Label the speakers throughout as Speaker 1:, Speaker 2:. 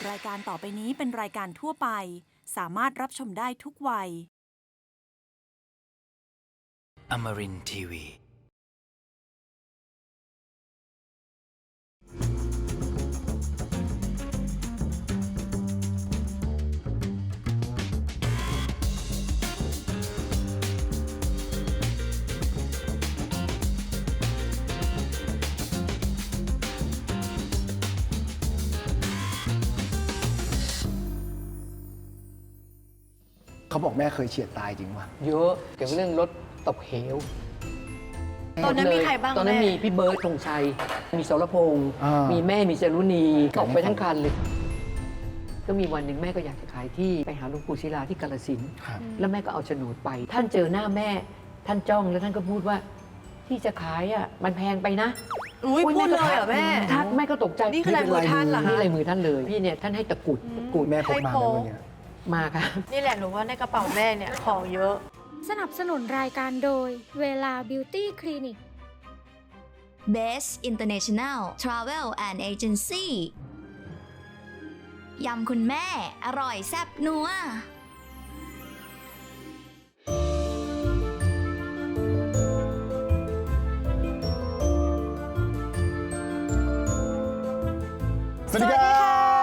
Speaker 1: รายการต่อไปนี้เป็นรายการทั่วไปสามารถรับชมได้ทุกวัย
Speaker 2: Amarin Tiwi.
Speaker 3: เขาบอกแม่เคยเฉียดตายจริงป่ะ
Speaker 4: เยอะเกี่ยวกับเรื่องรถตกเหว
Speaker 5: ตอนนั้นมีใครบ้าง
Speaker 4: ตอนนั้น
Speaker 5: แม่
Speaker 4: มีพี่เบิร์ดธงชัย มีสรพงษ์
Speaker 3: อ่ามี
Speaker 4: มีแม่มีจารุณีตกไปทั้งคันเลย ก็มีวันหนึ่งแม่ก็อยากจะขายที่ไปหาหลวงปู่ศิลาที่กาฬสินธุ์
Speaker 3: ครับ
Speaker 4: แล้วแม่ก็เอาโฉนดไป ท่านเจอหน้าแม่ ท่านจ้องแล้วท่านก็พูดว่า ที่จะขายอ่ะมันแพงไปนะ
Speaker 5: อุ้ยพูดเลยเหรอแม่
Speaker 4: ทักแม่ก็ตกใจ
Speaker 5: นี่คือลายมือท่านเหรอ
Speaker 4: นี่
Speaker 5: คะ
Speaker 4: ลายมือท่านเลยพี่เนี่ยท่านให้ตะกรุดตะกรุด
Speaker 3: แม่พกมาไหมวันเนี้ย
Speaker 4: มาค่ะ
Speaker 5: นี่แหละหนูว่าในกระเป๋าแม่เนี่ยของเยอะ
Speaker 6: สนับสนุนรายการโดยเวลาบิวตี้คลินิก
Speaker 7: Best International Travel and Agency ยำคุณแม่อร่อยแซ่บนัว
Speaker 3: สวัสดีครับ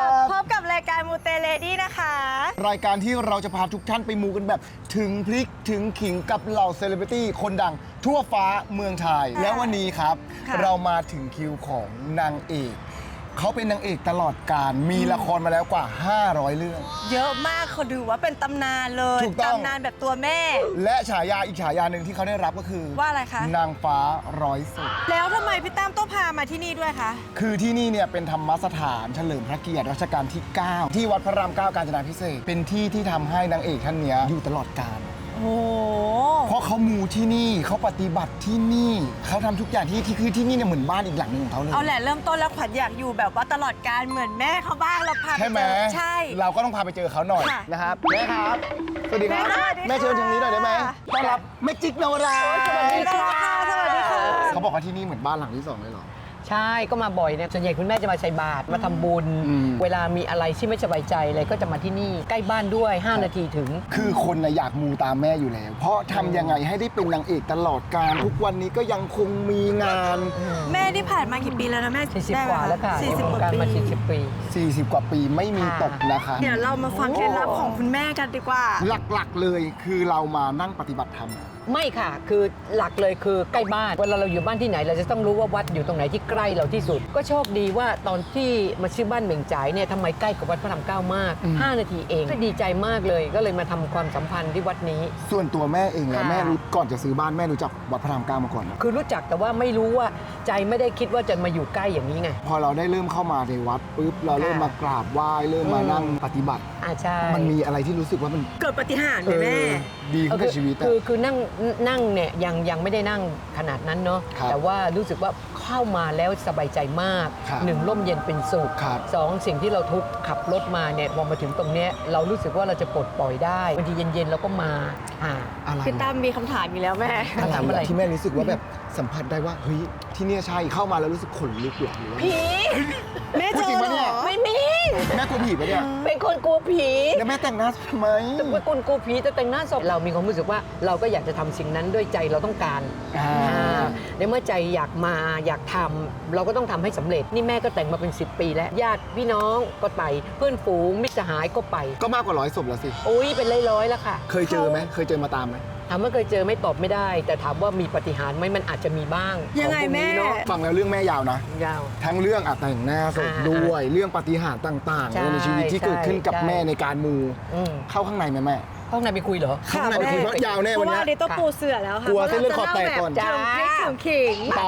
Speaker 5: พบกับรายการมูเตเลดี้นะคะ
Speaker 3: รายการที่เราจะพาทุกท่านไปมูกันแบบถึงพริกถึงขิงกับเหล่าเซเลบริตี้คนดังทั่วฟ้าเมืองไทย แล้ววันนี้ครับ
Speaker 5: ค่ะ
Speaker 3: เรามาถึงคิวของนางเอก เขาเป็นนางเอกตลอดการมีละครมาแล้วกว่า 500 เรื่อง
Speaker 5: เยอะมากเขาถือว่าเป็นตำนานเลย
Speaker 3: ถูกต้อง
Speaker 5: ตำนานแบบตัวแม่
Speaker 3: และฉายาอีกฉายาหนึ่งที่เขาได้รับก็คือ
Speaker 5: ว่าอะไรคะ
Speaker 3: นางฟ้าร้อยศพ
Speaker 5: แล้วทำไมพี่ตั้มต้องพามาที่นี่ด้วยคะ
Speaker 3: คือที่นี่เนี่ยเป็นธรรมสถานเฉลิมพระเกียรติรัชกาลที่ 9 ที่วัดพระราม 9 กาญจนาภิเษกเป็นที่ที่ทำให้นางเอกท่านเนี้ยอยู่ตลอดกาล
Speaker 5: โอ้โห
Speaker 3: เพราะเขามูที่นี่เขาปฏิบัติที่นี่เขาทำทุกอย่างที่คือที่นี่เนี่ยเหมือนบ้านอีกหลังหนึ่งของเขาเลย
Speaker 5: เอาแหละเริ่มต้นแล้วขวัญอยากอยู่แบบว่าตลอดการเหมือนแม่เขาบ้างเราพาไป
Speaker 3: ใช่ไหม
Speaker 5: เจอใช่
Speaker 3: เราก็ต้องพาไปเจอเขาหน่อย
Speaker 5: ค่ะ
Speaker 3: นะครับแม่ครับสวัสดีครับ
Speaker 5: แม่สวัสดีค่ะ
Speaker 3: แม่เชิญทางนี้หน่อยได้ไหมต้อนรับแม่จิ๊กนวรา
Speaker 5: สวัสดีค่ะสวัสดีค่ะ
Speaker 3: เขาบอกว่าที่นี่เหมือนบ้านหลังที่สองเลยเหรอ
Speaker 4: ใช่ก็มาบ่อยเนี่ยส่วนใหญ่คุณแม่จะมาใส่บาตรมาทำบุญ
Speaker 3: อืม
Speaker 4: เวลามีอะไรที่ไม่สบายใจอะไรก็จะมาที่นี่ใกล้บ้านด้วย 5 นาทีถึง
Speaker 3: คือคนนะอยากมูตามแม่อยู่แล้ว เพราะทำยังไงให้ได้เป็นนางเอกตลอดการทุกวันนี้ก็ยังคงมีงาน
Speaker 5: แม่ที่ผ่านมากี่ปีแล้วนะแม่
Speaker 4: 40 กว่าแล้วค่ะ
Speaker 5: 40 กว่า
Speaker 4: การมา
Speaker 5: ปี
Speaker 4: 40 ปี
Speaker 3: 40 กว่าปีไม่มีตกนะคะ
Speaker 5: เดี๋ยวเรามาฟังเคล็ดลับของคุณแม่กันดีกว่า
Speaker 3: หลักๆเลยคือเรามานั่งปฏิบัติธรรม
Speaker 4: ไม่ค่ะ คือหลักเลยคือใกล้บ้านเวลาเราอยู่บ้านที่ไหนเราจะต้องรู้ว่าวัดอยู่ตรงไหนที่ใกล้เราที่สุด ก็โชคดีว่าตอนที่มาซื้อบ้านเหม่งจ่ายเนี่ยทำไมใกล้กับวัดพระรามเก้ามาก 5 นาทีเองก็ดีใจมากเลยก็เลยมาทำความสัมพันธ์ที่วัดนี้
Speaker 3: ส่วนตัวแม่เองแล้ว
Speaker 4: ค่ะ
Speaker 3: แม่รู้ก่อนจะซื้อบ้านแม่รู้จักวัดพระรามเก้ามาก่อนนะ
Speaker 4: คือรู้จักแต่ว่าไม่รู้ว่าใจไม่ได้คิดว่าจะมาอยู่ใกล้อย่างนี้ไง
Speaker 3: พอเราได้เริ่มเข้ามาในวัดปุ๊บเราเริ่มมากราบไหว้เริ่มมานั่งปฏิบัติ
Speaker 4: ใช่
Speaker 3: มันมีอะไรที่รู้สึกว่ามัน
Speaker 5: เกิดปาฏิหารย์ไหมแม่
Speaker 3: ดีขึ้นกับชีวิตอะ
Speaker 4: คือนั่งเนี่ยยังไม่ได้นั่งขนาดนั้นเนาะ
Speaker 3: ครับ
Speaker 4: แต่ว่ารู้สึกว่าเข้ามาแล้วสบายใจมาก
Speaker 3: ครับ
Speaker 4: 1 ร่มเย็นเป็นสุข
Speaker 3: ครับ
Speaker 4: 2 สิ่งที่เราทุกข์ขับรถมาเนี่ยพอมาถึงตรงเนี้ยเรารู้สึกว่าเราจะปลดปล่อยได้บางทีเย็นๆเราก็มาอ่า
Speaker 3: อะไร
Speaker 5: พี่ตั้มมีคำถามอยู่แล้วแม่
Speaker 3: อะไร
Speaker 4: ทำอะไร
Speaker 3: ที่แม่รู้สึกว่าแบบสัมผัสได้ว่าเฮ้ยที่เนี่ยใช่เข้ามาแล้วรู้สึกขนลุกหรอหรือว่า
Speaker 5: แม่เจ
Speaker 3: พูดจริ
Speaker 5: อง
Speaker 3: ปะ
Speaker 5: เหร
Speaker 3: เนี่ย
Speaker 5: อ
Speaker 4: ไม่มี
Speaker 3: แม่กลัวผีปะเนี่ย
Speaker 4: เป็นคนกลัวผี
Speaker 3: แล้วแม่แต่งหน้าทำไม
Speaker 4: เป็นคนกลัวผีแต่แต่งหน้าศพเรามีความรู้สึกว่าเราก็อยากจะทำสิ่งนั้นด้วยใจเราต้องการ ในเมื่อใจอยากมาอยากทำเราก็ต้องทำให้สำเร็จนี่แม่ก็แต่งมาเป็น 10 ปีแล้วญาติพี่น้องก็ไปเพื่อนฝูงมิตรสหายก็ไป
Speaker 3: ก็มากกว่า100 ศพแล้วสิ
Speaker 4: โอ้ยเป็นร้อยๆแล้วค่ะ
Speaker 3: เคยเจอไหมเคยเจอมาตามไหม
Speaker 4: ถามว่าเคยเจอไม่ตอบไม่ได้ แต่ถามว่ามีปาฏิหารย์ไหมมันอาจจะมีบ้าง
Speaker 5: ยังไง
Speaker 4: ของพวกนี้
Speaker 5: แม่
Speaker 4: เนาะ
Speaker 3: ฟังแล้วเรื่องแม่ยาวนะ
Speaker 4: ยาว
Speaker 3: ทั้งเรื่องแต่งหน้าศพด้วยเรื่องปาฏิหาริย์ต่าง
Speaker 4: ใช่
Speaker 3: ๆในชีวิตที่เกิดขึ้นกับ
Speaker 4: ใช่
Speaker 3: แม่ในการมู
Speaker 4: อืม
Speaker 3: เข้าข้างในไหมแม่
Speaker 4: ห้องไหนไปคุยเหรอ
Speaker 3: ข้างในไปคุยเพราะยาวแน่
Speaker 5: เพ
Speaker 3: วัน
Speaker 5: ราะว่า
Speaker 3: เนี้ย
Speaker 5: อันนี้ต้องปูเสือแล้วค่ะ
Speaker 3: กลัวเส้นเลือดขอดแตกก่อน
Speaker 5: เพราะเราจะเล่าแบบถึงพริกถึงขิง
Speaker 3: ไป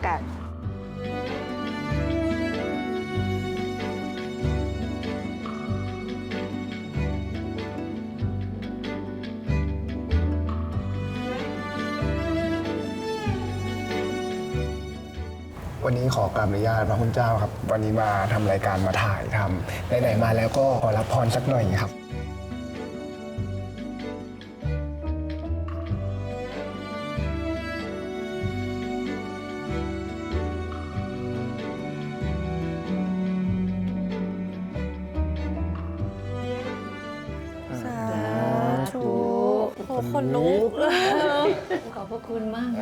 Speaker 3: วันนี้ขอกราบอนุญาตพระคุณเจ้าครับ วันนี้มาทำรายการมาถ่ายทำไหนๆมาแล้วก็ขอรับพรสักหน่อยครับ
Speaker 5: คนลุก
Speaker 4: ขอบพระคุณมาก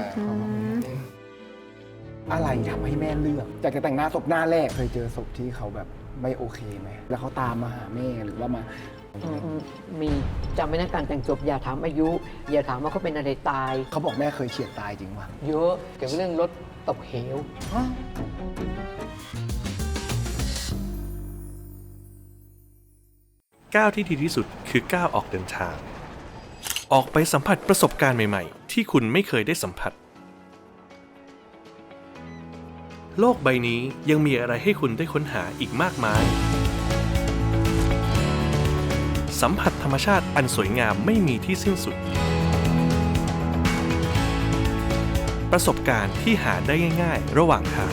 Speaker 3: อะไรทำให้แม่เลือกอยากจะแต่งหน้าศพหน้าแรกเคยเจอศพที่เขาแบบไม่โอเคไหมแล้วเขาตามมาหาแม่หรือว่ามา
Speaker 4: มีจำไว้นะการแต่งศพอย่าถามอายุ อย่าถามว่าเขาเป็นอะไรตาย
Speaker 3: เขาบอกแม่เคยเฉียดตายจริงป่ะ
Speaker 4: เยอะเกี่ยวกับเรื่องรถตกเหว
Speaker 8: ก้าวที่ดีที่สุดคือก้าวออกเดินทาง ออกไปสัมผัสประสบการณ์ใหม่ๆ ที่คุณไม่เคยได้สัมผัส โลกใบนี้ยังมีอะไรให้คุณได้ค้นหาอีกมากมาย สัมผัสธรรมชาติอันสวยงามไม่มีที่สิ้นสุด ประสบการณ์ที่หาได้ง่ายๆระหว่างทาง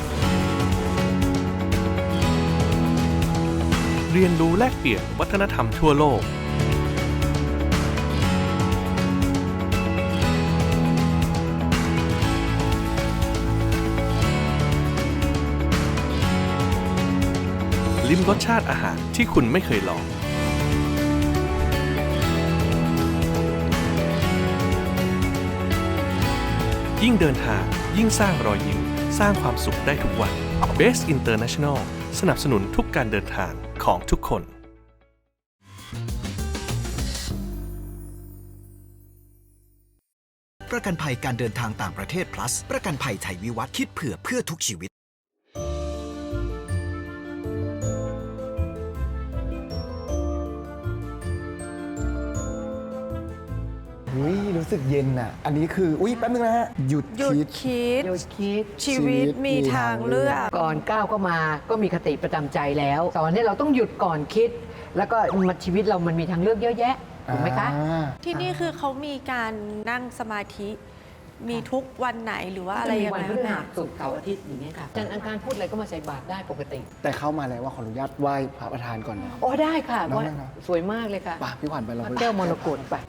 Speaker 8: เรียนรู้แลกเปลี่ยนวัฒนธรรมทั่วโลก ลิ้มรสชาติอาหารที่คุณไม่เคยลอง ยิ่งเดินทางยิ่งสร้างรอยยิ้มสร้างความสุขได้ทุกวัน Best International สนับสนุนทุกการเดินทางของทุกคน
Speaker 9: ประกันภัยการเดินทางต่างประเทศ plus ประกันภัยไทยวิวัฒน์คิดเพื่อทุกชีวิต
Speaker 3: อุ้ยรู้สึกเย็นอ่ะ อันนี้คืออุ้ยแป๊บนึงนะฮะหยุด
Speaker 5: หยุด
Speaker 3: คิด
Speaker 5: คิด
Speaker 4: เดี๋ยวคิด
Speaker 5: ชีวิตมีทางเลือก
Speaker 4: ก่อนก้าวเข้ามาก็มีคติประจำใจแล้วสอนให้เราต้องหยุดก่อนคิด แล้วก็มันชีวิตเรามันมีทางเลือกเยอะแยะถูกไหมคะ
Speaker 5: ที่นี่คือเขามีการนั่งสมาธิ มีทุกวันไหนหรือว่าอะไรยัง
Speaker 4: วั
Speaker 5: ไง
Speaker 4: พฤ
Speaker 5: แม่
Speaker 4: หัสศุกร์เสาร์อาทิตย์อย่างเงี้ยค่ะจันทร์อังคารพูดอะไรก็มาใส่บาตรได้ปกติ
Speaker 3: แต่เข้ามาแล้วว่าขออนุญาตไหว้พระประธานก่อนนะ
Speaker 4: โอ้ได้ค่ะ
Speaker 3: น้อง
Speaker 4: ว่า
Speaker 3: ได้ครับ
Speaker 4: สวยมากเลยค่ะ
Speaker 3: ป่ะพี่ขวัญไปเรา
Speaker 4: พระ
Speaker 3: ไป
Speaker 4: แก้วมรกตไป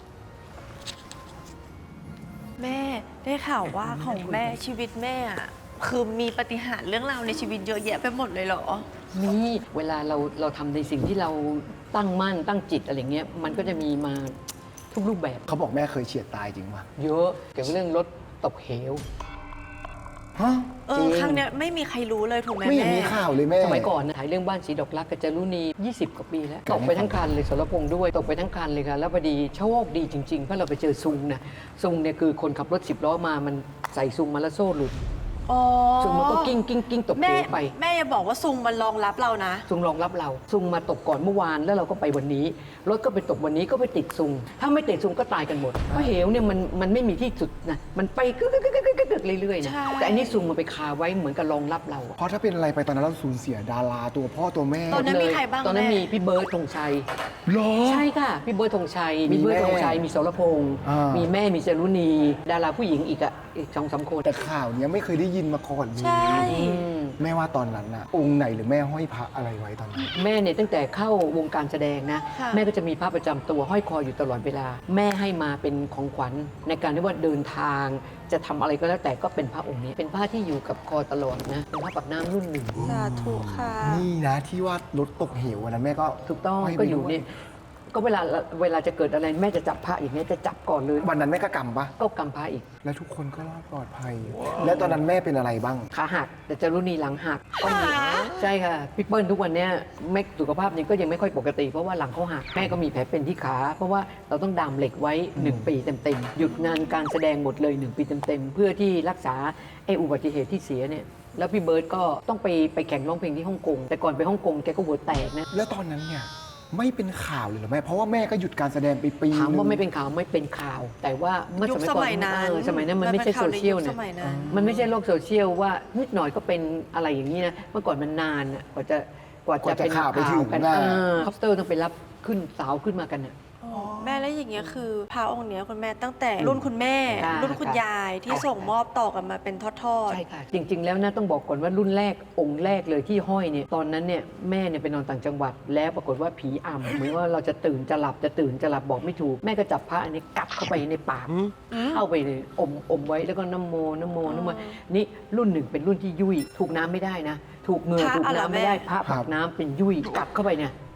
Speaker 5: แม่ได้ข่าวว่าของแม่ชีวิตแม่อะคือมีปาฏิหาริย์เรื่องราวในชีวิตเยอะแยะไปหมดเลยเหรอ
Speaker 4: นี่เวลาเราทำในสิ่งที่เราตั้งมั่นตั้งจิตอะไรเงี้ยมันก็จะมีมาทุกรูปแบบ
Speaker 3: เขาบอกแม่เคยเฉียดตายจริงป่ะ
Speaker 4: เยอะเกี่ยวกับเรื่องรถตกเหว
Speaker 3: ฮะ
Speaker 4: จริง
Speaker 5: ครั้งเนี้ยไม่มีใครรู้เลยถูกไหม
Speaker 3: ไม่เห็น
Speaker 5: แม่
Speaker 3: มีข่าวเลยแม่
Speaker 4: สมัยก่อนนะถ่ายเรื่องบ้านสีดอกรักกับจารุณี 20 กว่าปีแล้วตกไปทั้งคันเลยสรพงษ์ด้วยตกไปทั้งคันเลยค่ะแล้วพอดีโชคดีจริงๆเพราะเราไปเจอซุงนะซุงเนี่ยคือคนขับรถ10 ล้อมามันใส่ซุงมาแล้วโซ่หลุด
Speaker 5: อ๋อ
Speaker 4: ซุงมันก็กิ้งตกเห
Speaker 5: แม่
Speaker 4: วไป
Speaker 5: แม่อย่าบอกว่าซุงมันรองรับเรานะ
Speaker 4: ซุงรองรับเราซุงมาตกก่อนเมื่อวานแล้วเราก็ไปวันนี้รถก็ไปตกวันนี้ก็ไปติดซุงถ้าไม่ติดซุงก็ตายกันหมดเพราะเหวเนี่ยมันไม่มีที่สุดนะมันไปกึกเรื่อยๆนะ
Speaker 5: ใช่
Speaker 4: แต่อันนี้ซุงมันไปคาไว้เหมือนกับรองรับเราอะ
Speaker 3: เพราะถ้าเป็นอะไรไปตอนนั้นเราสูญเสียดาราตัวพ่อตัวแม่
Speaker 5: ตอนนั้นมีใครบ้าง
Speaker 4: ตอนนั้น
Speaker 5: แม่
Speaker 4: มีพี่เบิร์ดธงชัย
Speaker 3: หรอ
Speaker 4: ใช่ค่ะ พี่เบิร์ดธงชัย
Speaker 3: มี
Speaker 4: มีเบิร์ด
Speaker 3: แม่
Speaker 4: ธงชัย มีสรพงษ์
Speaker 3: อ่ามี
Speaker 4: มีแม่ มีจารุณี ดาราผู้หญิงอีก2-3 คน
Speaker 3: แต่ข่าวเนี้ยไม่เคยได้ยินมาก่อนเลย
Speaker 5: ใช่
Speaker 4: อืม
Speaker 3: แม่ว่าตอนนั้นน่ะองค์ไหนหรือแม่ห้อยพระอะไรไว้ตอนนั้น
Speaker 4: แม่เนี่ยตั้งแต่เข้าวงการแสดงนะ
Speaker 5: ค่ะ
Speaker 4: แม่ก็จะมีพระประจำตัวห้อยคออยู่ตลอดเวลา แม่ให้มาเป็นของขวัญในการที่ว่าเดินทาง จะทำอะไรก็แล้วแต่ก็เป็นพระองค์นี้ เป็นผ้าที่อยู่กับคอตลอดนะ เป็นผ้าปักน้ำรุ่นหนึ่ง
Speaker 5: สาธุค่ะ
Speaker 3: นี่นะที่ว่ารถตกเหววันนั้นแม่ก็
Speaker 4: ถูกต้อง
Speaker 3: ห้ไป
Speaker 4: ก็อยู่
Speaker 3: ด้ว
Speaker 4: เนี่ยก็เวลาจะเกิดอะไรแม่จะจับพระอย่างเงี้ยจะจับก่อนเลย
Speaker 3: วันนั้นแม่ก็กำปะ
Speaker 4: ก็กำพระอีก
Speaker 3: และทุกคนก็รอดปลอดภัย และตอนนั้นแม่เป็นอะไรบ้าง
Speaker 4: ขาหักแต่จารุณีหลังหักก็มีใช่ค่ะพี่เปิ้ลทุกวันเนี้ยไม่สุขภาพยังก็ยังไม่ค่อยปกติเพราะว่าหลังเขาหักแม่ก็มีแผลเป็นที่ขาเพราะว่าเราต้องดามเหล็กไว้ 1 ปีเต็มๆหยุดงานการแสดงหมดเลย 1 ปีเต็มๆเพื่อที่รักษาไอ้อุบัติเหตุที่เสียเนี่ยแล้วพี่เบิร์ตก็ต้องไปแข่งร้องเพลงที่ฮ่องกงแต่ก่อนไปฮ่องกงแกก็หัวแตกนะ
Speaker 3: แล้วตอนนั้นเนี่ยไม่เป็นข่าวเลยเหรอแม่เพราะว่าแม่ก็หยุดการแสดงไปปี
Speaker 4: ถามว่า
Speaker 3: นึง
Speaker 4: ไม่เป็นข่าวไม่เป็นข่าว แต่ว่าเมื่อ
Speaker 5: ยุค
Speaker 4: สมัยก่อน
Speaker 5: สมัยนั้น
Speaker 4: สมัยนั้นมันไม่ใช่โซเชียล
Speaker 5: มันเป็
Speaker 4: เนี่ย
Speaker 5: นข่าวในยุคสมัยนั้น
Speaker 4: มันไม่ใช่โลกโซเชียลว่านิดหน่อยก็เป็นอะไรอย่างนี้นะเมื่อก่อนมันนานอะกว่าจะเป็น
Speaker 3: ข่าวไปถึง
Speaker 4: กัน
Speaker 3: น่ะ
Speaker 4: คอปเตอร์ต้องไปรับขึ้นสาวขึ้นมากันอะ
Speaker 5: แม่แล้วอย่างเงี้ยคือพระองค์เนี้ยคุณแม่ตั้งแต่รุ่นคุณแม่
Speaker 4: ค่ะ
Speaker 5: รุ่นคุณยายที่ส่งมอบต่อกันมาเป็นทอด
Speaker 4: ใช่ค่ะ จริง ๆ แล้วนะต้องบอกก่อนว่ารุ่นแรกองค์แรกเลยที่ห้อยเนี่ยตอนนั้นเนี่ยแม่เนี่ยไปนอนต่างจังหวัด แล้วปรากฏว่าผีอำเหมือนว่าเราจะตื่นจะหลับจะตื่นจะหลับบอกไม่ถูกแม่ก็จับพระอันนี้กัดเข้าไปในปากเข้าไปเลยอมไว้แล้วก็น้ำโมนี่รุ่นหนึ่งเป็นรุ่นที่ยุ่ยถูกน้ำไม่ได้นะ ถูกเหงื่อถูกน้ำไม่ได้พระผักน้ำเป็นยุ่ยกัดเข้าไปเนี่ย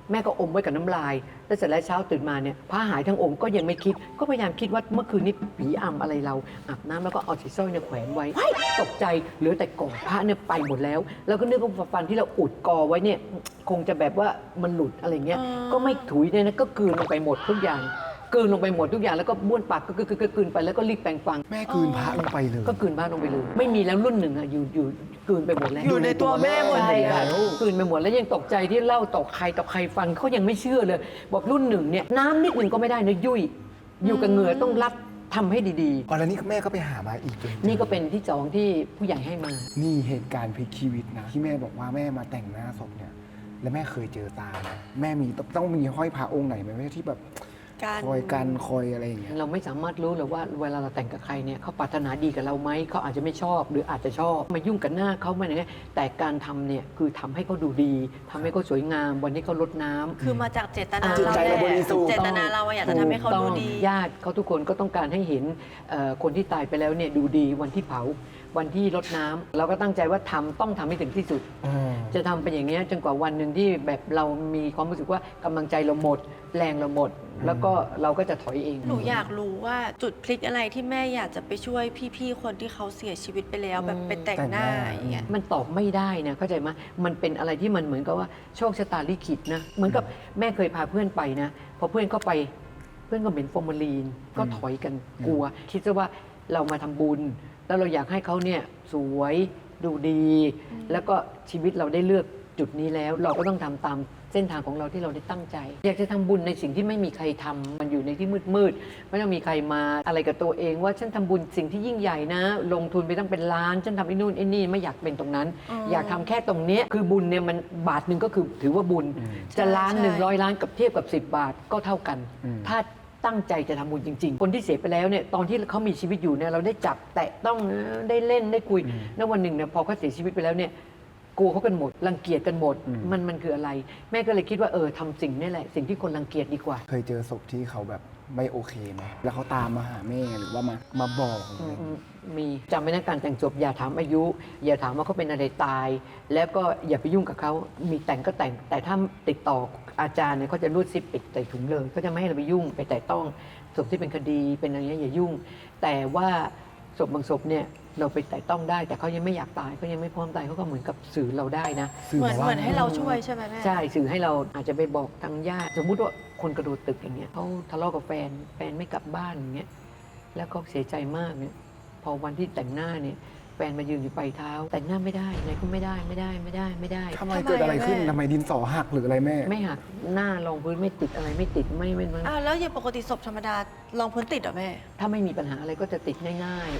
Speaker 4: แม่ก็อมไว้กับน้ำลาย แล้วเสร็จแล้วเช้าตื่นมาเนี่ยพระหายทั้งองค์ก็ยังไม่คิด ก็พยายามคิดว่าเมื่อคืนนี้ผีอำอะไรเราอาบน้ำแล้วก็เอาสีสร้อยเนี่ยแขวนไว้ตกใจเหลือแต่กอพระเนี่ยไปหมดแล้ว แล้วก็นึกว่าฟันที่เราอุดกอไว้เนี่ยคงจะแบบว่ามันหลุดอะไรเงี้ย ก็ไม่ถุยเนี่ยนะก็กลืนลงไปหมดทุกอย่างกลืนลงไปหมดทุกอย่างแล้วก็บ้วนปากก็กลืนไปแล้วก็รีบแปรงฟัน
Speaker 3: แม่กลืนพระลงไปเลย
Speaker 4: ก็กลืนบ้านลงไปเลยไม่มีแล้วรุ่นหนึ่งอะอยู่กลืนไปหมดแล้ว
Speaker 5: อยู่ในตัวแม่หมด
Speaker 4: ใช่
Speaker 5: เลย
Speaker 4: ค่ะ
Speaker 5: อะ
Speaker 4: กลืนไปหมดแล้วยังตกใจที่เล่าต่อใครฟังเขายังไม่เชื่อเลย บอกรุ่นหนึ่งเนี่ยน้ำนิดหนึ่งก็ไม่ได้นะยุ่ยอยู่กับเหงื่อต้องรัดทำให้ดี
Speaker 3: อ๋อแล้วนี่แม่ก็ไปหามาอีกเลย
Speaker 4: ๆ นี่ก็เป็นที่สองที่ผู้ใหญ่ให้มา
Speaker 3: นี่เหตุการณ์พลิกชีวิตนะที่แม่บอกว่าแม่มาแต่งหน้าศพเนี่ยแล้วแม่เคยเจอตาไหมแม่มีต้องมีห้อยพระองค์ไหนไหมแม่ที่แบบ
Speaker 5: การ
Speaker 3: คอยกันคอยอะไรอย่างเงี้ย
Speaker 4: เราไม่สามารถรู้เลยว่าเวลาเราแต่งกับใครเนี่ยเขาปรารถนาดีกับเราไหมเขาอาจจะไม่ชอบหรืออาจจะชอบมายุ่งกับหน้าเขาไม่อะไรเงี้ยแต่การทำเนี่ยคือทำให้เขาดูดีทำให้เขาสวยงามวันนี้เขาลดน้ำ
Speaker 5: คือมาจากเจตนา
Speaker 3: จิตใจเราบริสุทธิ์
Speaker 5: เจตนาเราอะอยากจะทำให้เขาดูดี
Speaker 4: ญาติเขาทุกคนก็ต้องการให้เห็นคนที่ตายไปแล้วเนี่ยดูดีวันที่เผาวันที่รดน้ำเราก็ตั้งใจว่าต้องทำให้ถึงที่สุด จะทำเป็นอย่างนี้ยจนกว่าวันหนึ่งที่แบบเรามีความรู้สึกว่ากำลังใจเราหมด แรงเราหมด แล้วก็เราก็จะถอยเอง
Speaker 5: หนูอยากรู้ว่าจุดพลิกอะไรที่แม่อยากจะไปช่วยพี่ๆคนที่เขาเสียชีวิตไปแล้วแบบไปแต่งหน้าอย่างเงี้ย
Speaker 4: มันตอบไม่ได้นะเข้าใจไหมมันเป็นอะไรที่มันเหมือนกับว่าโชคชะตาลิขิตนะเหมือนกับแม่เคยพาเพื่อนไปนะพอเพื่อนเข้าไปเพื่อนก็เหม็นฟอร์มาลีนก็ถอยกันกลัว คิดซะว่าเรามาทำบุญ แล้วเราอยากให้เขาเนี่ยสวยดูดี แล้วก็ชีวิตเราได้เลือกจุดนี้แล้ว เราก็ต้องทำตามเส้นทางของเราที่เราได้ตั้งใจ อยากจะทำบุญในสิ่งที่ไม่มีใครทำมันอยู่ในที่มืดๆไม่ต้องมีใครมาอะไรกับตัวเองว่าฉันทำบุญสิ่งที่ยิ่งใหญ่นะ ลงทุนไปตั้งเป็นล้านฉันทำไอ้นู่นไอ้นี่ไม่อยากเป็นตรงนั้น อยากทำแค่ตรงเนี้ยคือบุญเนี่ยมันบาทหนึ่งก็คือถือว่าบุญจะล้านหนึ่ง100 ล้านกับเทียบกับ10 บาทก็เท่ากัน ถ้าตั้งใจจะทำบุญจริง ๆ คนที่เสียไปแล้วเนี่ยตอนที่เขามีชีวิตอยู่เนี่ยเราได้จับแตะต้องได้เล่นได้คุยแล้ววันหนึ่งเนี่ยพอเขาเสียชีวิตไปแล้วเนี่ยกลัวเขากันหมดรังเกียจกันหมดมันคืออะไร แม่ก็เลยคิดว่าทำสิ่งนี่แหละสิ่งที่คนรังเกียจดีกว่า
Speaker 3: เคยเจอศพที่เขาแบบไม่โอเคไหมแล้วเขาตามมาหาแม่หรือว่ามาบอกอะไรอย่างเงี้ย
Speaker 4: มีจำไว้นะการแต่งศพอย่าถามอายุ อย่าถามว่าเขาเป็นอะไรตาย แล้วก็อย่าไปยุ่งกับเขามีแต่งก็แต่งแต่ถ้าติดต่ออาจารย์เนี่ยเขาจะรูดซิปปิดใส่ถุงเลยก็จะไม่ให้เราไปยุ่งไปแต่ต้องศพที่เป็นคดีเป็นอะไรเงี้ยอย่ายุ่ง แต่ว่าศพบางศพเนี่ยเราไปแต่ต้องได้แต่เขายังไม่อยากตายเขายังไม่พร้อมตายเขาก็เหมือนกับสื่อเราได้นะ
Speaker 5: เหมือนให้เราช่วยใช่ไหมแม่
Speaker 4: ใช่สื่อให้เราอาจจะไปบอกทางญาติสมมุติว่าคนกระโดดตึกอย่างเงี้ยเขาทะเลาะกับแฟนไม่กลับบ้านอย่างเงี้ยแล้วก็เสียใจมากเนี่ยพอวันที่แต่งหน้าเนี่ยแฟนมายืนอยู่ปลายเท้าแต่งหน้าไม่ได้ไหนก็ไม่ได้
Speaker 3: ทำไมเกิดอะไรขึ้นทำไมดินสอหักหรืออะไรแม่
Speaker 4: ไม่หักหน้ารองพื้นไม่ติดอะไรไม่ติดไม่
Speaker 5: อ้าวแล้วอย่างปกติศพธรรมดาลองพื้นติดเหรอแม่
Speaker 4: ถ้าไม่มีปัญหาอะไรก็จะติดง่ายๆ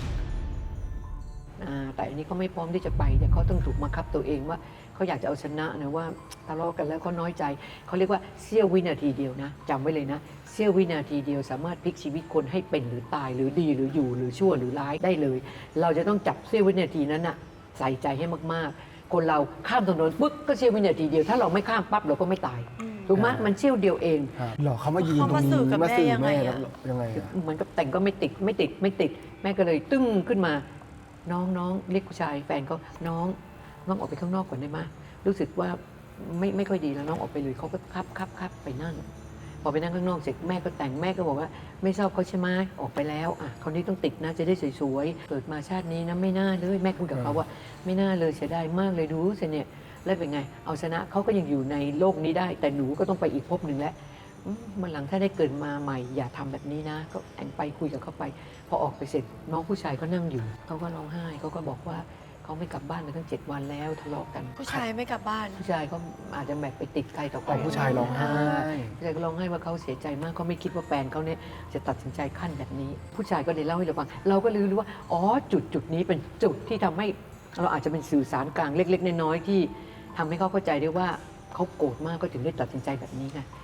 Speaker 4: แต่อันนี้เขาไม่พร้อมที่จะไปแต่เขาต้องถูกบังคับตัวเองว่าเขาอยากจะเอาชนะนะว่าทะเลาะกันแล้วเขาน้อยใจเขาเรียกว่าเสี้ยววินาทีเดียวนะจำไว้เลยนะเสี้ยววินาทีเดียวสามารถพลิกชีวิตคนให้เป็นหรือตายหรือดีหรืออยู่หรือชั่วหรือร้ายได้เลย เราจะต้องจับเสี้ยววินาทีนั้นน่ะใส่ใจให้มากๆคนเราข้ามถนนปุ๊บก็เสี้ยววินาทีเดียวถ้าเราไม่ข้ามปั๊บเราก็ไม่ตายถูกไหมมันเสี้ยวเดียวเอง
Speaker 3: หรอเขามายืนตรงนี้
Speaker 5: เขามาสื่อกับแม่ยังไงอะ
Speaker 3: แล้วยังไงอะ
Speaker 4: เหมือนกับแต่งก็ไม่ติดแม่ก็เลยตึ้งขึ้นมาน้องเรียกผู้ชายแฟนเขาน้องออกไปข้างนอกก่อนได้ไหมรู้สึกว่าไม่ค่อยดีแล้วน้องออกไปเลยเขาก็ครับไปนั่งพอไปนั่งข้างนอกเสร็จแม่ก็แต่งแม่ก็บอกว่าไม่ชอบเขาใช่ไหมออกไปแล้วคราวนี้ต้องติดนะจะได้สวยๆเกิดมาชาตินี้นะไม่น่าเลยแม่คุยกับเขาว่าไม่น่าเลยเสียดายมากเลยดูสิเนี่ยแล้วเป็นไงเอาชนะเขาก็ยังอยู่ในโลกนี้ได้แต่หนูก็ต้องไปอีกภพหนึ่งแล้ววันหลังถ้าได้เกิดมาใหม่อย่าทำแบบนี้นะก็แต่งไปคุยกับเขาไปพอออกไปเสร็จน้องผู้ชายก็นั่งอยู่เขาก็ร้องไห้เขาก็บอกว่าเขาไม่กลับบ้านมาตั้ง7 วันแล้วทะเลาะกัน
Speaker 5: ผู้ชายไม่กลับบ้าน
Speaker 4: ผู้ชายก็อาจจะแบบไปติดใครต่อใคร
Speaker 3: ผู้ชายร้องไห้
Speaker 4: ผู้ชายก็ร้องไห้ว่าเขาเสียใจมากเขาไม่คิดว่าแฟนเขาเนี่ยจะตัดสินใจขั้นแบบนี้ ผู้ชายก็เลยเล่าให้เราฟังเราก็เลยรู้ว่าอ๋อจุดนี้เป็นจุดที่ทำให้เราอาจจะเป็นสื่อสารกลางเล็กๆน้อยๆที่ทำให้เขาเข้าใจได้ว่าเขาโกรธมากก็ถึงได้ตัดสินใจแบบนี้ไง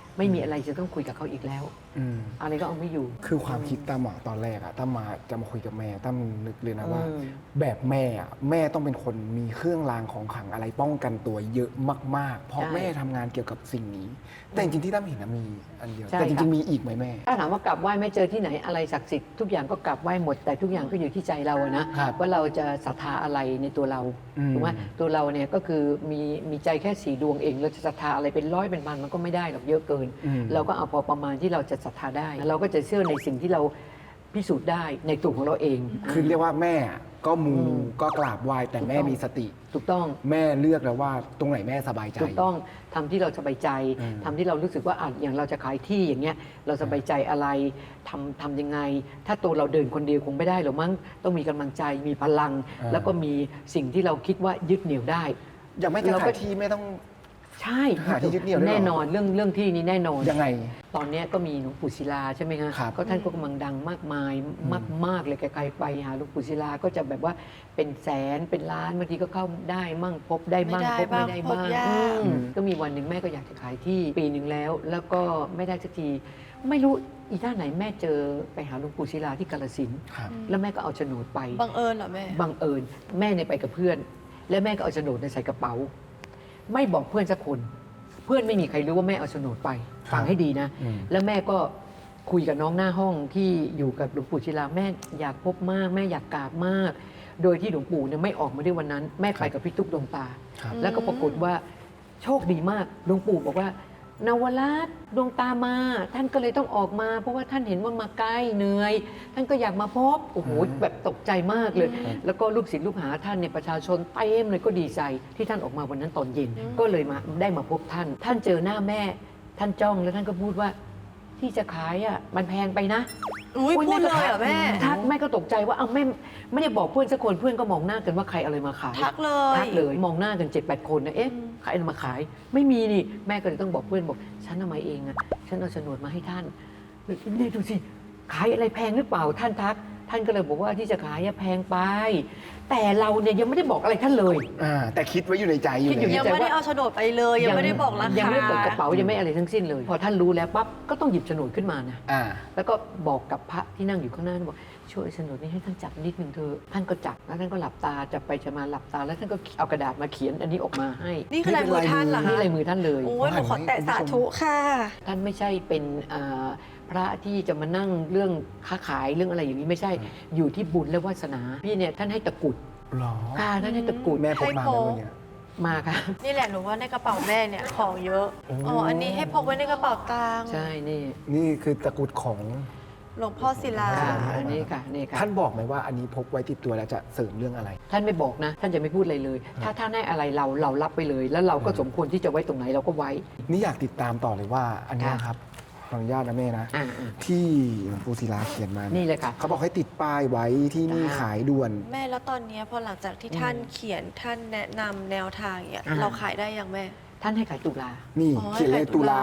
Speaker 4: ไม่มีอะไรจะต้องคุยกับเขาอีกแล้ว
Speaker 3: อืม
Speaker 4: อะไรก็เอาไม่อยู่
Speaker 3: คือความคิดตั้มอะตอนแรกอะตั้มจะมาคุยกับแม่ตั้มนึกเลยนะว่า
Speaker 4: อืม
Speaker 3: แบบแม่อะแม่ต้องเป็นคนมีเครื่องรางของขลังอะไรป้องกันตัวเยอะมากๆ เพราะแม่ทำงานเกี่ยวกับสิ่งนี้ แต่จริงๆที่ตั้มเห็นนะมีอันเดียว
Speaker 4: ใช่
Speaker 3: แต่จ
Speaker 4: ครั
Speaker 3: ริ
Speaker 4: บ
Speaker 3: งๆมีอีกไหมแม่
Speaker 4: ถ้าถามว่ากราบไหว้ไม่เจอที่ไหนอะไรศักดิ์สิทธิ์ทุกอย่างก็กราบไหว้หมดแต่ทุกอย่างก็อยู่ที่ใจเราอะนะครับ ว่าเราจะศรัทธาอะไรในตัวเรา
Speaker 3: อืม
Speaker 4: ถูกไหมตัวเราเนี่ยก็คือมีใจแค่4 ดวงเองเราจะศรัทธาอะไรเป็นร้อยเป็นพันมันก็ไม่ได้หรอกเยอะเกิน เราก็เอาพอประมาณที่เราจะศรัทธาได้ เราก็จะเชื่อในสิ่งที่เราพิสูจน์ได้ในตัวของเราเอง
Speaker 3: คือเรียกว่าแม่ก็มู
Speaker 4: อืม
Speaker 3: ก็กราบไหว้แต่แม่มีสติ
Speaker 4: ถูกต้อง
Speaker 3: แม่เลือกแล้วว่าตรงไหนแม่สบายใจ
Speaker 4: ถูกต้องทำที่เราสบายใจ
Speaker 3: อืม
Speaker 4: ทำที่เรารู้สึกว่าอย่างเราจะขายที่อย่างเงี้ยเราสบายใจอะไรทำยังไง ถ้าตัวเราเดินคนเดียวคงไม่ได้หรอกมั้งต้องมีกำลังใจมีพลัง แล้วก็มีสิ่งที่เราคิดว่ายึดเหนี่ยวได้
Speaker 3: อย่างแม่จะ
Speaker 4: เราก็
Speaker 3: ขายที่ไม่ต้อง
Speaker 4: ใช่
Speaker 3: หาที่ยึดเหนี่ยวด้วยเหรอ
Speaker 4: แน่นอนเรื่องที่นี้แน่นอน
Speaker 3: ยังไง
Speaker 4: ตอนเนี้ยก็มีหลวงปู่ศิลาใช่ไหมคะ
Speaker 3: ครับ
Speaker 4: ก็ท่านก็กำลังดังมากมายมากๆเลยใครๆไปหาหลวงปู่ศิลาก็จะแบบว่าเป็นแสนเป็นล้านบางทีก็เข้าได้มั่งพบได้มั่งพบไม่ได้บ้าง
Speaker 5: พบยาก
Speaker 4: ก็มีวันหนึ่งแม่ก็อยากจะขายที่ปีหนึ่งแล้วก็ไม่ได้สักทีไม่รู้อีท่าไหนแม่เจอไปหาหลวงปู่ศิลาที่กาฬสินธุ์
Speaker 3: ครับ
Speaker 4: แล้วแม่ก็เอาโฉนดไป
Speaker 5: บังเอิญเหรอแม่
Speaker 4: บังเอิญแม่เนี่ยไปกับเพื่อน แล้วแม่ก็เอาโฉนดใส่กระเป๋า ไม่บอกเพื่อนสักคน เพื่อนไม่มีใครรู้ว่าแม่เอาโฉนดไป
Speaker 3: ครับ
Speaker 4: ฟังให้ดีนะ
Speaker 3: อืม
Speaker 4: แล้วแม่ก็คุยกับน้องหน้าห้องที่อยู่กับหลวงปู่ศิลาแม่อยากพบมากแม่อยากกราบมาก โดยที่หลวงปู่เนี่ยไม่ออกมาด้วยวันนั้น แม่ไปกับพี่ตุ๊กดวงตา
Speaker 3: ครับ
Speaker 4: แล้วก็ปรากฏว่าโชคดีมากหลวงปู่บอกว่านวราชดวงตามา ท่านก็เลยต้องออกมา เพราะว่าท่านเห็นว่ามาใกล้เหนื่อย ท่านก็อยากมาพบโอ้โหแบบตกใจมากเลย แล้วก็ลูกศิษย์ลูกหาท่านเนี่ยประชาชนเต็มเลยก็ดีใจที่ท่านออกมาวันนั้นตอนเย็น ก็เลยมาได้มาพบท่าน ท่านเจอหน้าแม่ ท่านจ้องแล้วท่านก็พูดว่าที่จะขายอ่ะมันแพงไปนะ
Speaker 5: อุ้ยพูดเลยเหรอแม่
Speaker 4: ทักแม่ก็ตกใจว่าเอาไม่ได้บอกเพื่อนสักคนเพื่อนก็มองหน้ากันว่าใครเอาอะไรมาขาย
Speaker 5: ทักเลย
Speaker 4: ทักเลยมองหน้ากัน 7-8 คนนะเอ๊ะใครเอามาขาย ไม่มีนี่แม่ก็เลยต้องบอกเพื่อนบอกฉันเอามาเองอะฉันเอาโฉนดมาให้ท่านนี่ดูสิขายอะไรแพงหรือเปล่าท่านทัก ท่านก็เลยบอกว่าที่จะขายอะแพงไป แต่เราเนี่ยยังไม่ได้บอกอะไรท่านเลย
Speaker 3: แต่คิดไว้อยู่ในใจอยู่
Speaker 4: คิดอยู่
Speaker 3: เลย
Speaker 5: ยังไม่ได้เอาโฉนดไปเลย ยังไม่ได้บอกราคา
Speaker 4: ยังไม่ได้เปิดกระเป๋ายังไม่อะไรทั้งสิ้นเลย พอท่านรู้แล้วปั๊บก็ต้องหยิบโฉนดขึ้นมานะ
Speaker 3: อ่า
Speaker 4: แล้วก็บอกกับพระที่นั่งอยู่ข้างหน้าบอกช่วยโฉนดนี้ให้ท่านจับนิดนึงเถอะท่านก็จับแล้วท่านก็หลับตาจับไปจะมาหลับตาแล้วท่านก็เอากระดาษมาเขียนอันนี้ออกมาให้
Speaker 5: นี่คือลายมือท่านเหรอ
Speaker 4: นี่
Speaker 5: คะ
Speaker 4: ลายมือท่านเลย
Speaker 5: โอ้ยหนูขอแตะสาธุค่ะ
Speaker 4: ท่านไม่ใช่เป็นพระที่จะมานั่งเรื่องค้าขายเรื่องอะไรอย่างนี้ไม่ใช่อยู่ที่บุญและวาสนาพี่เนี่ยท่านให้ตะกรุด
Speaker 3: หรอ
Speaker 4: ค่ะท่านให้ตะกรุด
Speaker 3: แม่พกมาไหมวันเนี้ย
Speaker 4: มาค่ะ
Speaker 5: นี่แหละหนูว่าในกระเป๋าแม่เนี่ยของเยอะ อ๋อ อันนี้ให้พกไว้ในกระเป๋าตังค์
Speaker 4: ใช่นี่
Speaker 3: นี่คือตะกรุดของ
Speaker 5: หลวงพ่อศิลา
Speaker 4: ค่ะอันนี้ค่ะนี่ค่ะ
Speaker 3: ท่านบอกไหมว่าอันนี้พกไว้ติดตัวแล้วจะเสริมเรื่องอะไร
Speaker 4: ท่านไม่บอกนะ ท่านจะไม่พูดอะไรเลย ถ้าท่านให้อะไรเรารับไปเลย แล้วเราก็สมควรที่จะไว้ตรงไหนเราก็ไว้
Speaker 3: นี่อยากติดตามต่อเลยว่าอันเนี้ยครับขออนุญาตนะแม่นะ
Speaker 4: อ่า
Speaker 3: ที่หลวงปู่ศิลาเขียนมา
Speaker 4: นี่เลยค่ะ
Speaker 3: เขาบอกให้ติดป้ายไว้ที่นี่
Speaker 4: จ้า
Speaker 3: ขายด่วน
Speaker 5: แม่แล้วตอนเนี้ยพอหลังจากที่ท่านเขียนท่านแนะนำแนวทางเนี่ย
Speaker 4: อ่า
Speaker 5: เราขายได้ยังแม่
Speaker 4: ท่านให้ขายตุลา
Speaker 3: นี่
Speaker 5: อ๋อ
Speaker 3: เขียนเลย
Speaker 5: ให้ตุ
Speaker 3: ตุลา
Speaker 5: ลา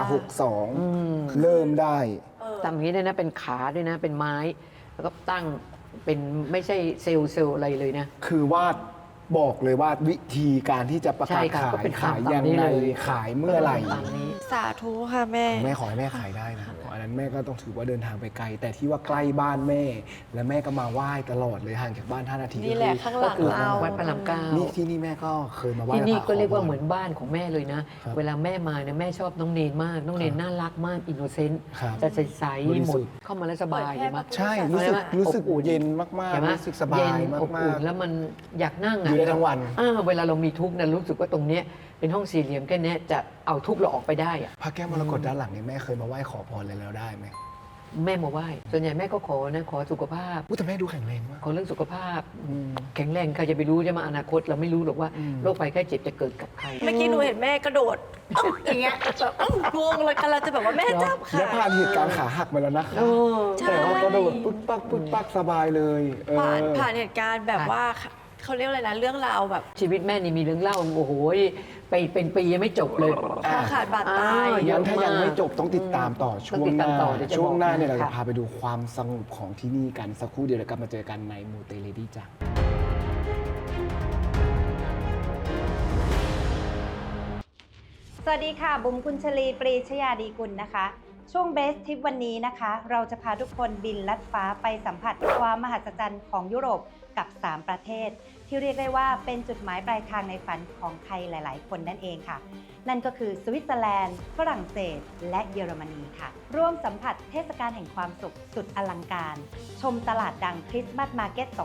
Speaker 3: 62 เริ่มได้
Speaker 4: ทำอย่างนี้ด้วยนะเป็นขาด้วยนะเป็นไม้ แล้วก็ตั้งเป็นไม่ใช่เซลล์อะไรเลยนะ
Speaker 3: คือว่าบอกเลยว่าวิธีการที่จะประ
Speaker 4: ใช่
Speaker 3: กาศ
Speaker 4: ค่ะ
Speaker 3: ขา
Speaker 4: ก็
Speaker 3: ย
Speaker 4: เป็น
Speaker 3: ขาย
Speaker 4: ตาม
Speaker 3: ยัง
Speaker 4: นี้
Speaker 3: ไง
Speaker 4: เลย
Speaker 3: ขายเมื่อไหร่
Speaker 4: ตามนี้
Speaker 5: สาธุค่ะแม่
Speaker 3: แม่ขอให้แม่ขายได้นะอันนั้นแม่ก็ต้องถือว่าเดินทางไปไกล แต่ที่ว่าใกล้บ้านแม่ และแม่ก็มาไหว้ตลอดเลยห่างจากบ้าน5 นาที
Speaker 5: นี่แหละข้างหลัง
Speaker 3: ก็คือ
Speaker 5: เรา
Speaker 4: วัดพระรามเก้า
Speaker 3: นี่ที่นี่แม่ก็เคยมาไหว้
Speaker 4: ที่นี่
Speaker 3: พระ
Speaker 4: ก็เรียกว่า
Speaker 3: ขพ
Speaker 4: เหมือนบ้านของแม่เลยนะ
Speaker 3: ครับ
Speaker 4: เวลาแม่มาเนี่ยแม่ชอบน้องเนนมาก น้องเนนน่ารักมากอินโนเซนต์
Speaker 3: ครับ
Speaker 4: จะใส
Speaker 3: บริ
Speaker 4: ๆหม
Speaker 3: สุ
Speaker 4: ด
Speaker 3: ทธิ์
Speaker 4: เข้ามาแล้วสบาย
Speaker 5: เปิดแค่
Speaker 4: เห็นไหม
Speaker 3: ใช่รู้สึก
Speaker 4: อบอุ่น
Speaker 3: เย็นมาก
Speaker 4: เห็นไหม
Speaker 3: ๆรู้สึกสบาย
Speaker 4: เย็น
Speaker 3: มา
Speaker 4: อบ
Speaker 3: ก
Speaker 4: อุ่นแล้วมันอยากนั่ง
Speaker 3: ๆอยู่ได้ทั้งวัน
Speaker 4: เวลาเรามีทุกข์นะรู้สึกว่าตรงเนี้ยเป็นห้องสี่เหลี่ยมแค่เนี้ยจะเอาทุกข์เราออกไปได้อะ
Speaker 3: พระแก้วมรกตด้านหลังเนี่ยแม่เคยมาไหว้ขอพรอะไรแล้วได้ไหม
Speaker 4: แม่มาไหว้ส่วนใหญ่แม่ก็ขอนะขอสุขภาพ
Speaker 3: อุ๊ยแต่แม่ดูแข็งแรงมาก
Speaker 4: ขอเรื่องสุขภาพแข็งแรงใครจะไปรู้จะมาอนาคตเราไม่รู้หรอกว่าโรคภัยไข้เจ็บจะเกิดกับใคร
Speaker 5: เมื่อกี้หนูเห็นแม่กระโดดอย่างเงี้ยแบบงงเลยกันเราจะแบบว่าแม่จับ
Speaker 3: และ
Speaker 5: ค่ะ
Speaker 3: ผ่านเหตุการณ์ขาหักมาแล้วนะคะ
Speaker 5: ใช่
Speaker 3: แต่ว่ากระโดดปุ๊บปักสบายเลยเออ
Speaker 5: ผ่านเหตุการณ์แบบว่าเขาเรียกอะไรนะเรื่องราวแบบ
Speaker 4: ชีวิตแม่นี่มีเรื่องเล่าโอ้โหไปเป็นปียังไม่จบเลย
Speaker 5: คอขาดบาดตาย
Speaker 3: งั้นถ้ายังไม่จบต้องติดตามต่อช่วงหน้า
Speaker 4: ต้องติดตามต่อเดี๋ยวจะบอก
Speaker 3: ช่วงหน้าเนี่ยเราจะ
Speaker 4: ค่ะ
Speaker 3: พาไปดูความสงบของที่นี่กันสักครู่เดียวแล้วกลับมาเจอกันในมูเตเลดี้จ้ะ
Speaker 10: สวัสดีค่ะบุ๋มกุญชลีปรีชยาดีกุลนะคะ ช่วงเบสทิปวันนี้นะคะ เราจะพาทุกคนบินลัดฟ้าไปสัมผัสความมหัศจรรย์ของยุโรปกับ 3 ประเทศ ที่เรียกได้ว่าเป็นจุดหมายปลายทางในฝันของใครหลายๆ คนนั่นเองค่ะ นั่นก็คือสวิตเซอร์แลนด์ฝรั่งเศสและเยอรมนีค่ะร่วมสัมผัสเทศกาลแห่งความสุขสุดอลังการ ชมตลาดดังคริสต์มาสมาร์เก็ต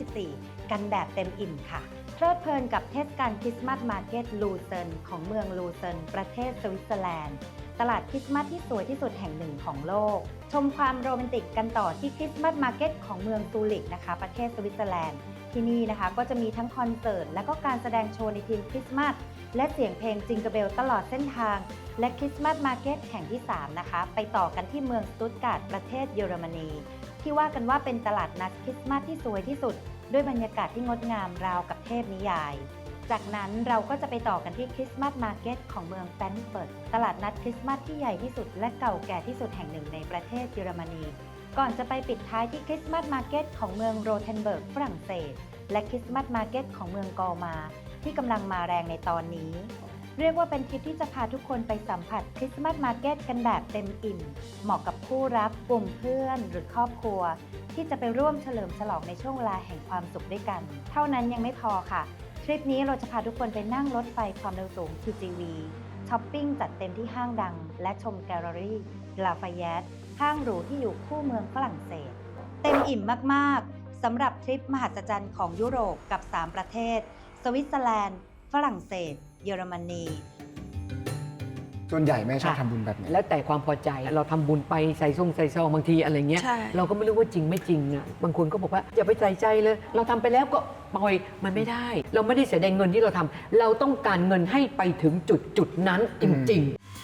Speaker 10: 2024 กันแบบเต็มอิ่มค่ะเพลิดเพลินกับเทศกาลคริสต์มาสมาร์เก็ตลูเซิร์นของเมืองลูเซิร์นประเทศสวิตเซอร์แลนด์ตลาดคริสต์มาสที่สวยที่สุดแห่งหนึ่งของโลกชมความโรแมนติกกันต่อที่คริสต์มาสมาร์เก็ตของเมืองซูริกนะคะประเทศสวิตเซอร์แลนด์ที่นี่นะคะก็จะมีทั้งคอนเสิร์ตและก็การแสดงโชว์ในทีมคริสต์มาสและเสียงเพลงจิงเกิลเบลตลอดเส้นทางและคริสต์มาสมาร์เก็ตแห่งที่ 3 นะคะไปต่อกันที่เมืองสตุตการ์ดประเทศเยอรมนีที่ว่ากันว่าเป็นตลาดนัดคริสต์มาสที่สวยที่สุดด้วยบรรยากาศที่งดงามราวกับเทพนิยายจากนั้นเราก็จะไปต่อกันที่คริสต์มาสมาร์เก็ตของเมืองแฟรงก์เฟิร์ตตลาดนัดคริสต์มาสที่ใหญ่ที่สุดและเก่าแก่ที่สุดแห่งหนึ่งในประเทศเยอรมนีก่อนจะไปปิดท้ายที่คริสต์มาสมาร์เก็ตของเมืองโรเทนเบิร์กฝรั่งเศสและคริสต์มาสมาร์เก็ตของเมืองกอมาที่กำลังมาแรงในตอนนี้เรียกว่าเป็นทริปที่จะพาทุกคนไปสัมผัสคริสต์มาสมาร์เก็ตกันแบบเต็มอิ่มเหมาะกับคู่รักกลุ่มเพื่อนหรือครอบครัวที่จะไปร่วมเฉลิมฉลองในช่วงเวลาแห่งความสุขด้วยกันเท่านั้นยังไม่พอค่ะทริปนี้เราจะพาทุกคนไปนั่งรถไฟความเร็วสูง TGV ช้อปปิ้งจัดเต็มที่ห้างดังและชมแกลเลอรี่ลาฟายแยตห้างหรูที่อยู่คู่เมืองฝรั่งเศสเต็มอิ่มมากๆสำหรับทริปมหัศจรรย์ของยุโรปกับ 3 ประเทศสวิตเซอร์แลนด์ฝรั่งเศสเยอรมนี
Speaker 3: ส่วนใหญ่แม่ชอบทำบุญแบบไหน
Speaker 4: แล้วแต่ความพอใจเราทำบุญไปใส่ซองบางทีอะไรเงี้ยเราก็ไม่รู้ว่าจริงไม่จริงอ่ะบางคนก็บอกว่าอย่าไปใส่ใจเลยเราทำไปแล้วก็ปล่อยมันไม่ได้เราไม่ได้เสียดายเงินที่เราทำเราต้องการเงินให้ไปถึงจุดนั้นจริง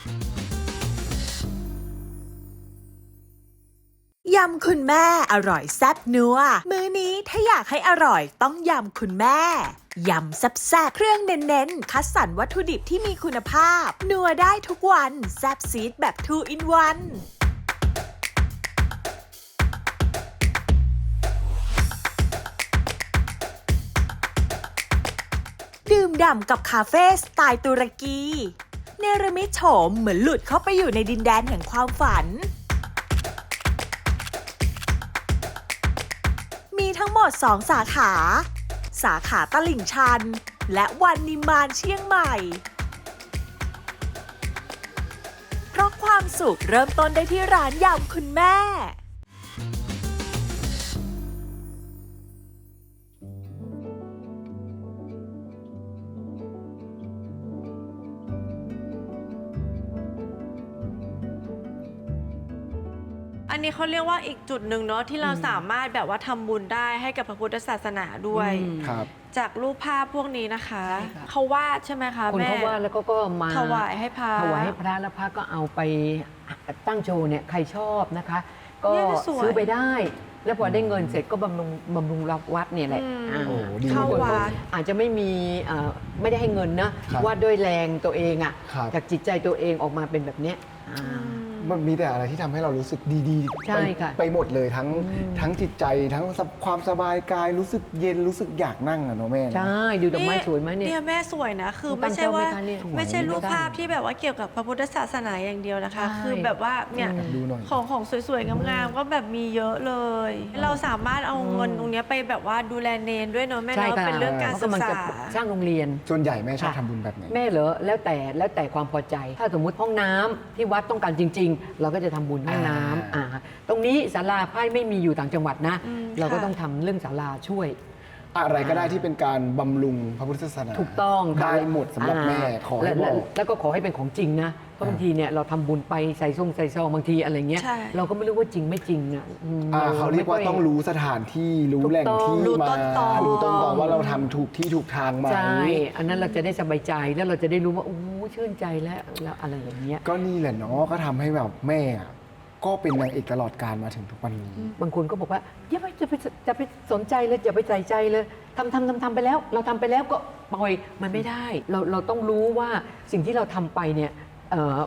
Speaker 11: ยำคุณแม่อร่อยแซ่บนัวมื้อนี้ถ้าอยากให้อร่อยต้องยำคุณแม่ยำแซ่บๆเครื่องเน้นๆคัดสรรวัตถุดิบที่มีคุณภาพนัวได้ทุกวันแซ่บซีดแบบ2 in 1ดื่มด่ำกับคาเฟ่สไตล์ตุรกีเนรมิตโฉมเหมือนหลุดเข้าไปอยู่ในดินแดนแห่งความฝันมีทั้งหมด2 สาขาตลิ่งชันและวันนิมานเชียงใหม่เพราะความสุขเริ่มต้นได้ที่ร้านยำคุณแม่
Speaker 5: อันนี้เขาเรียกว่าอีกจุดหนึ่งเนาะที่เราสามารถแบบว่าทำบุญได้ให้กับพระพุทธศาสนาด้วยจากรูปภาพพวกนี้นะคะเขาวาดใช่ไหมคะแม่
Speaker 4: คนเขาวาดแล้วก็มา
Speaker 5: ถวายให้พระ
Speaker 4: แล้วพระก็เอาไปตั้งโชว์เนี่ยใครชอบนะคะก็ซื้อไปได้แล้วพอได้เงินเสร็จก็บำรุงวัดเนี่ยแหละ
Speaker 5: เข้าวัด
Speaker 4: อาจจะไม่ได้ให้เงินนะวาดด้วยแรงตัวเองอ่ะจากจิตใจตัวเองออกมาเป็นแบบเนี้ย
Speaker 3: มันมีแต่อะไรที่ทำให้เรารู้สึกดีๆไปหมดเลยทั้งจิตใจทั้งความสบายกายรู้สึกเย็นรู้สึกอยากนั่งอะเนาะแม่
Speaker 4: ใช่ดูดอกไม้สวยไหม
Speaker 5: เนี่ยแม่สวยนะคือไม่ใช่ว่าไม่ใช่รูปภาพที่แบบว่าเกี่ยวกับพระพุทธศาสนาอย่างเดียวนะคะคือแบบว่าเนี่ยของสวยๆงามๆก็แบบมีเยอะเลยเราสามารถเอาเงินตรงนี้ไปแบบว่าดูแลเนนด้วยเนาะแม่เนาะเป็นเรื่องการศึกษา
Speaker 4: สร้างโรงเรียน
Speaker 3: ส่วนใหญ่แม่ชอบทำบุญแบบไหน
Speaker 4: แม่เหรอแล้วแต่ความพอใจถ้าสมมุติห้องน้ำที่วัดต้องการจริงเราก็จะทำบุญห้องน้ำตรงนี้ศาลาไพ่ไม่มีอยู่ต่างจังหวัดนะเราก็ต้องทำเรื่องศาลาช่วย
Speaker 3: อะไรก็ได้ที่เป็นการบำรุงพระพุทธศาสนา
Speaker 4: ถูกต้อง
Speaker 3: ได้หมดสำหรับแม่ขอให้บอก
Speaker 4: แล้วก็ขอให้เป็นของจริงนะเพราะบางทีเนี่ยเราทำบุญไปใส่ซองบางทีอะไรเงี้ยเราก็ไม่รู้ว่าจริงไม่จริงอ่ะ
Speaker 3: เขาเรียกว่าต้องรู้สถานที่รู้แหล่งที่มารู้ต้นตอว่าเราทำถูกที่ถูกทางไหม
Speaker 4: ใช่อันนั้นเราจะได้สบายใจแล้วเราจะได้รู้ว่าโอ้ชื่นใจแล้วอะไรอย่างเงี้ย
Speaker 3: ก็นี่แหละเนาะก็ทำให้แบบแม่ก็เป็นนางเอกตลอดการมาถึงทุกวันนี้
Speaker 4: บางคนก็บอกว่าอย่าไปสนใจเลยอย่าไปใส่ใจเลยทำไปแล้วเราทำไปแล้วก็ปล่อยมันไม่ได้เราต้องรู้ว่าสิ่งที่เราทำไปเนี่ยเ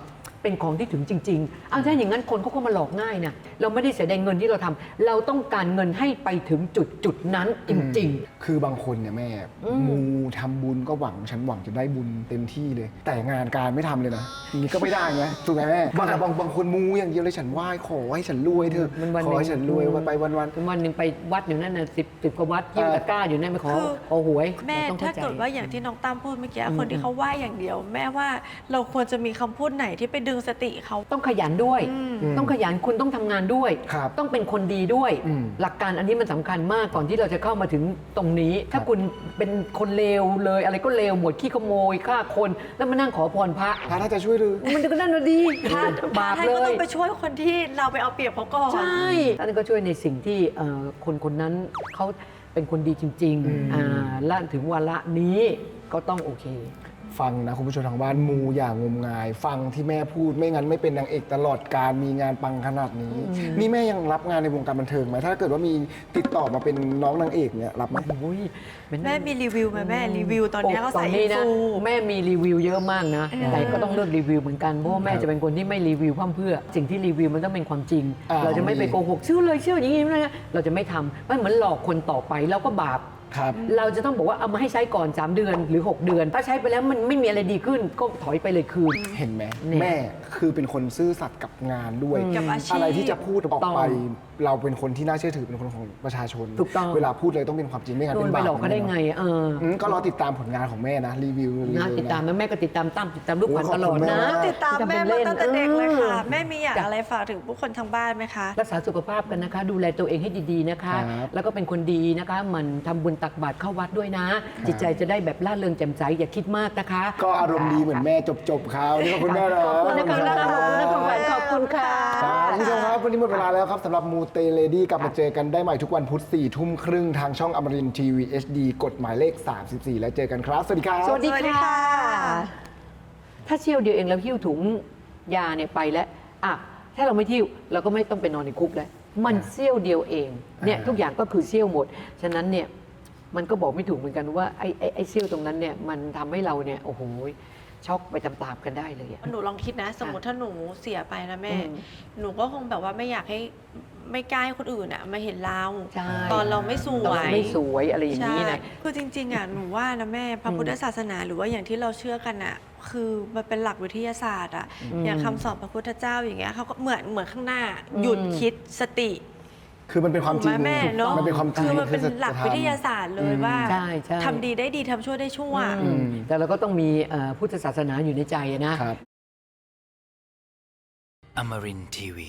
Speaker 4: เป็นของที่ถึงจริงๆเอาถ้าอย่างนั้นคนเขาก็มาหลอกง่ายนะเราไม่ได้เสียดายเงินที่เราทำเราต้องการเงินให้ไปถึงจุดนั้นจริง
Speaker 3: คือบางคนเนี่ยแม่
Speaker 4: อืม
Speaker 3: มูทำบุญก็หวังฉันหวังจะได้บุญเต็มที่เลย แต่งานการไม่ทำเลยนะอย่างนี้ก็ไม่ได้ไงถูกไหมแม่บางคนมูอย่างเดียวเลยฉันไหว้ขอให้ฉันรวยเถอะ
Speaker 4: วัน
Speaker 3: ขอให้ฉันรวยวันไปวัน
Speaker 4: วันหนึ่งไปวัดอยู่นั่นน่ะสิบกว่าวัดยิ้มตะกร้าอยู่นั่นไปขอหวย
Speaker 5: แม่
Speaker 4: รต้อง
Speaker 5: ถ้า
Speaker 4: ข้ใจ
Speaker 5: เกิดว่าอย่างที่น้องตั้มพูดเมื่อกี้
Speaker 4: อืม
Speaker 5: คนที่เขาไหว้อย่างเดียว แม่ว่าเราควรจะมีคำพูดไหนที่ไปดึงสติเขา
Speaker 4: ต้องขยันด้วย ต้องขยันคุณต้องทำงานด้วย
Speaker 3: ครับ
Speaker 4: ต้องเป็นคนดีด้วย หลักการอันนี้มันสำคัญมากก่อนที่เราจะเข้ามาถึงตรงนี้ ถ้าคุณเป็นคนเลวเลยอะไรก็เลวหมดขี้ขโมยฆ่าคนแล้วมานั่งขอพรพระ
Speaker 3: พระน่าจะช่วยหรือ
Speaker 4: มันก็นั่นน่ะดีบาป
Speaker 5: ท่าน
Speaker 4: เล
Speaker 5: ก็ต้
Speaker 4: ย
Speaker 5: องไปช่วยคนที่เราไปเอาเปรียบเขาก่อน
Speaker 4: ใช่ท่านก็ช่วยในสิ่งที่คนนั้นเขาเป็นคนดีจริงๆและถึงวาระนี้ก็ต้องโอเค
Speaker 3: ฟังนะคุณผู้ชมทางบ้านมูอย่างงมงาย ฟังที่แม่พูดไม่งั้นไม่เป็นนางเอกตลอดการมีงานปังขนาดนี้ นี่แม่ยังรับงานในวงการบันเทิงไหมถ้าเกิดว่ามีติดต่อมาเป็นน้องนางเอกเนี่ยรับไหม
Speaker 5: แม่มีรีวิวไหมแม่รีวิวตอนนี้เขาใส่
Speaker 4: ต
Speaker 5: อิน
Speaker 4: นะ
Speaker 5: ฟู
Speaker 4: แม่มีรีวิวเยอะมากนะ แต่ก็ต้องเลือกรีวิวเหมือนกันเพราะว่าแม่จะเป็นคนที่ไม่รีวิวพร่ำเพรื่อสิ่งที่รีวิวมันต้องเป็นความจริง เราจะไม่ไปโกหกเชื่อเลยเชื่ออย่างนี้นะเราจะไม่ทำมันเหมือนหลอกคนต่อไปเราก็บาป
Speaker 3: ครับ
Speaker 4: เราจะต้องบอกว่าเอามาให้ใช้ก่อน 3 เดือนหรือ 6 เดือน ถ้าใช้ไปแล้วมันไม่มีอะไรดีขึ้นก็ถอยไปเลยคืน
Speaker 3: เห็นไหม
Speaker 4: เนี่ย
Speaker 3: แม่คือเป็นคนซื่อสัตย์กับงานด้วย
Speaker 5: กับอาชีพ
Speaker 3: อะไรที่จะพูดออกไป
Speaker 4: ต้อง
Speaker 3: เราเป็นคนที่น่าเชื่อถือเป็นคนของประชาชน
Speaker 4: ถูกต้อง
Speaker 3: เวลาพูดเลยต้องเป็นความจริงไม่งั้น
Speaker 4: โด
Speaker 3: เป็น น
Speaker 4: ไป
Speaker 3: บาป
Speaker 4: หลอกเขาได้ไง
Speaker 3: ก็รอติดตามผลงานของแม่นะรีวิว
Speaker 4: นะติดตามแม่ก็ติดตามตั้มติดตามลูกขวัญตลอดนะ
Speaker 5: ติดตามแม่มาตั้งแต่เด็กเลยค่ะ แม่มีอยาก
Speaker 4: จ้ะ
Speaker 5: อะไรฝากถึงผู้คนทางบ้านไหมคะ
Speaker 4: รักษาสุขภาพกันนะคะ ดูแลตัวเองให้ดีๆนะคะ แล้วก็เป็นคนดีนะคะหมันทำบุญตักบาตรเข้าวัดด้วยนะ จิตใจจะได้แบบร่าเริงแจ่มใสอย่าคิดมากนะคะ
Speaker 3: ก็อารมณ์ดีเหมือนแม่จบคราวนี่ขอบคุณแม่นะ
Speaker 4: ขอบคุณนะคะขอบคุณนะขอบคุณขอบคุณค่ะ
Speaker 3: ครับคุณผู้ชมครับวันนี้หมดเวลาแล้วครับสำหรับมูเตเลดี้กลับมาเจอกันได้ใหม่ทุกวันพุธ4 ทุ่มครึ่งทางช่องอมรินทร์ทีวี HD กฎหมายเลข 34 แล้วเจอกันครับ สวัสดีครับ
Speaker 4: สวัสดีค่ะ ถ้าเที่ยวเดียวเองแล้วหิ้วถุงยาเนี่ยไปแล้วอ่ะถ้าเราไม่ทิ้วเราก็ไม่ต้องไปนอนในคุกแล้วมันเสี้ยวเดียวเองเนี่ยทุกอย่างก็คือเสี้ยวหมดฉะนั้นเนี่ยมันก็บอกไม่ถูกเหมือนกันว่าไอ้เสี้ยวตรงนั้นเนี่ยมันทำให้เราเนี่ยโอ้โหช็อกไปตามๆกันได้เลยอะ
Speaker 5: หนูลองคิดนะ สมมติถ้าหนูเสียไปนะแม่
Speaker 4: อืม
Speaker 5: หนูก็คงแบบว่าไม่อยากให้ไม่กล้าให้คนอื่นอะมาเห็นเรา
Speaker 4: ใช่
Speaker 5: ตอนเราไม่ส
Speaker 4: ต
Speaker 5: ว
Speaker 4: อน
Speaker 5: ย
Speaker 4: ไม่สวยอะไรอย่างนี้
Speaker 5: ใช่
Speaker 4: นะ
Speaker 5: คือจริงๆอ่ะหนูว่านะแม่พระพุทธศาสนาหรือว่าอย่างที่เราเชื่อกันอ่ะ คือมันเป็นหลักวิทยาศาสตร์อ่ะ อย่างคำสอนพระพุทธเจ้าอย่างเงี้ยเขาก็เหมือนข้างหน้า หยุดคิดสติ
Speaker 3: คือมันเป็นความจริง
Speaker 5: ถูกไหแม่เนาะ
Speaker 3: มันเป็นความจริง
Speaker 5: คือมันเป็น
Speaker 3: คือ
Speaker 5: หลักวิทยาศาสตร์เลยว่า
Speaker 4: ใช่ใช่
Speaker 5: ทำดีได้ดีทำชั่วได้ชั่ว
Speaker 4: แต่เราก็ต้องมีพุทธศาสนาอยู่ในใจนะ
Speaker 3: ครับ
Speaker 2: Amarin Tiwi.